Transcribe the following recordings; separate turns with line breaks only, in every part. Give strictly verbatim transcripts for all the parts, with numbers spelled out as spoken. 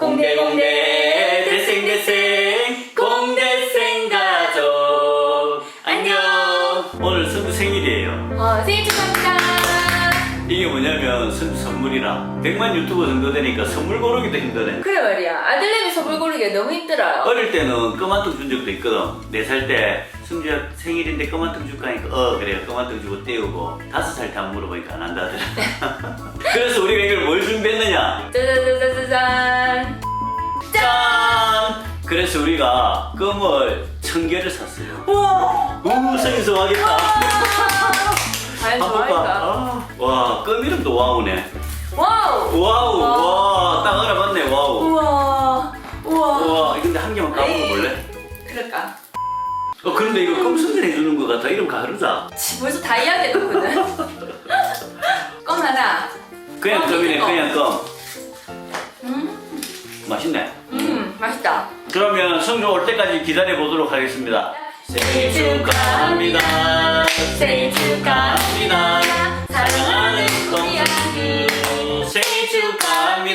공대 공대 대생 대생 공대생 가족 안녕. 오늘 선주 생일이에요.
어, 생일 축하합니다.
이게 뭐냐면 선주 선물이라 백만 유튜버 정도 되니까 선물 고르기도 힘드네.
그래 말이야. 아들내미 선물 고르기가 너무 힘들어요.
어릴 때는 까만통 준 적도 있거든. 네 살 때 승주야 생일인데 까만통 줄까 하니까 어 그래 까만통 주고 떼우고 다섯 살 때 안 물어보니까 안 한다 하더라. 그래서 우리가 이걸 뭘 준비했느냐?
짜자자자자잔.
짠! 그래서 우리가 껌을 천 개를 샀어요.
우와.
우 생일 좋아하겠다.
과연 좋아할까?
아, 와, 껌 이름도 와우네.
와우.
와우,
와.
와, 딱 알아봤네, 와우.
우와. 우와.
우와, 근데 한 개만 까먹어 볼래?
그럴까?
어, 그런데 이거 껌 선전해 주는 것 같아. 이름 가르자.
지, 벌써 다 이야기했거든. 껌 하나.
그냥
껌,
껌이네,
껌.
그냥 껌.
음.
맛있네.
음, 맛있다.
그러면 성주 올 때까지 기다려 보도록 하겠습니다. 생일 축하합니다. 생일 축하합니다. 사랑하는 껌순주 생일 축하합니다.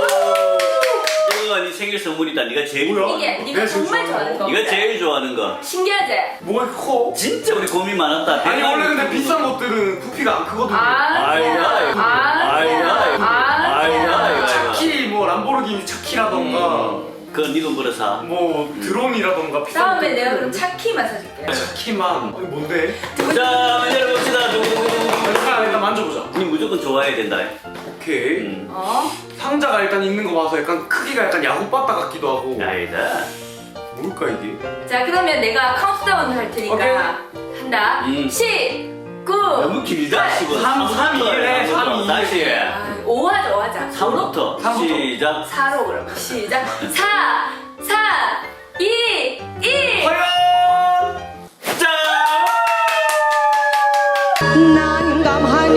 이거 네 생일 선물이다. 네가 제일
뭐야?
좋아하는
이게
거.
네가 정말 좋아하는 거.
네가 제일 좋아하는 거.
신기하지?
뭐가 이렇게 커?
진짜 우리 고민 많았다.
아니 원래 근데 비싼 것들은 부피가 안 크거든요.
아,
아이고, 아이고, 아이고, 아이고, 아이고, 아이고.
차키 뭐 람보르기니 차키라던가
그거 니가 뭐라 사?
뭐 드론이라던가 비싼
다음에
것들.
내가 그럼 차키만 사줄게.
차키만 아니, 뭔데?
자, 열어봅시다.
일단 일단 만져보자.
니 무조건 좋아해야 된다.
오케이.
음.
어?
상자가 일단 있는 거 봐서 약간 크기가 약간 야구바타 같기도 하고.
아니다.
뭘까 이게?
자, 그러면 내가 카운트다운 할 테니까
오케이.
한다.
음.
십, 구,
너무 길다. 십은.
삼, 삼, 이 해, 삼, 이.
다시.
아, 오 하자, 오 하자.
삼부터
삼부터.
시작.
사로 그럼. 시작. 사, 사, 이, 일.
과연!
짠!
난감하니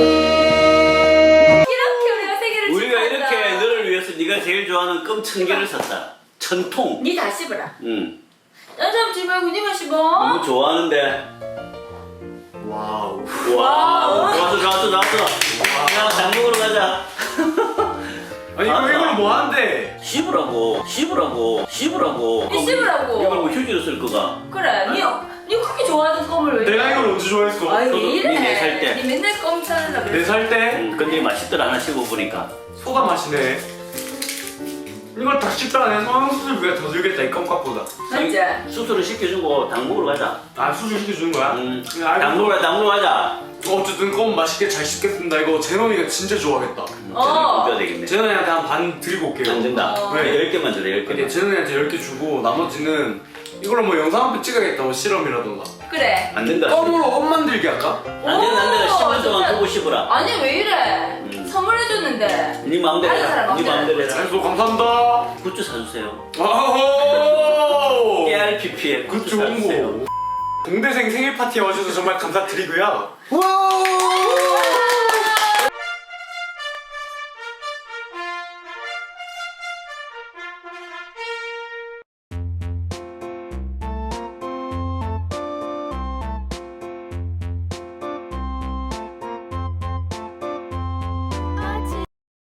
이렇게 우리가 생일을
우리가
축하한다.
이렇게 너를 위해서 네가 제일 좋아하는 껌 천 개를 샀다. 천 통.
니 다 씹어라.
응.
딴 사람 지 말고 니만 씹어.
너무 좋아하는데.
와우.
와우. 좋았어, 좋았어, 좋았어. 야, 장먹으러 가자.
아니 이거
맞아.
이걸 뭐 하는데?
씹으라고, 씹으라고, 씹으라고.
니 씹으라고.
이걸 뭐 휴지로 쓸 거가.
그래, 니, 니 그렇게 좋아하던 껌을 왜
내가
이래?
이걸 언제 좋아했어?
아유, 왜
저도
이래?
니 네살 때.
니 맨날 껌 사느라 그래.
네 살 때
응, 근데 맛있더라. 하나 씹어보니까.
소다 맛이네. 이걸 다 씹다 내 성형수술비가 더 들겠다 이 껌값보다.
맞지?
수술을 시켜주고 당 먹으러 가자.
아 수술 시켜주는 거야?
응.
야, 알고.
당 먹으러, 당 먹으러 가자.
어쨌든 껌 맛있게 잘 씹겠습니다. 이거 제노이가 진짜 좋아하겠다.
어.
어. 되겠네.
제노이한테 한 반 드리고 올게요.
안 된다.
어.
네. 열 개만 줘라, 열
근데
개만.
제노이한테 열 개 주고 나머지는 이걸로 뭐 영상 한 편 찍어야겠다. 뭐 실험이라던가.
그래.
안 된다.
껌으로 껌 만들기 할까?
안 된다, 안 된다. 십 분 동안
진짜.
보고 씹어라.
아니 왜 이래?
음.
선물해줬는데.
네 마음대로
다른
해라.
사람
네 마음대로 해라.
알겠어 감사합니다.
굿즈 사주세요.
아호!
에이알피피에 굿즈
굿즈 홍보.
사주세요.
공대생 생일 파티에 와주셔서 정말 감사드리고요.
와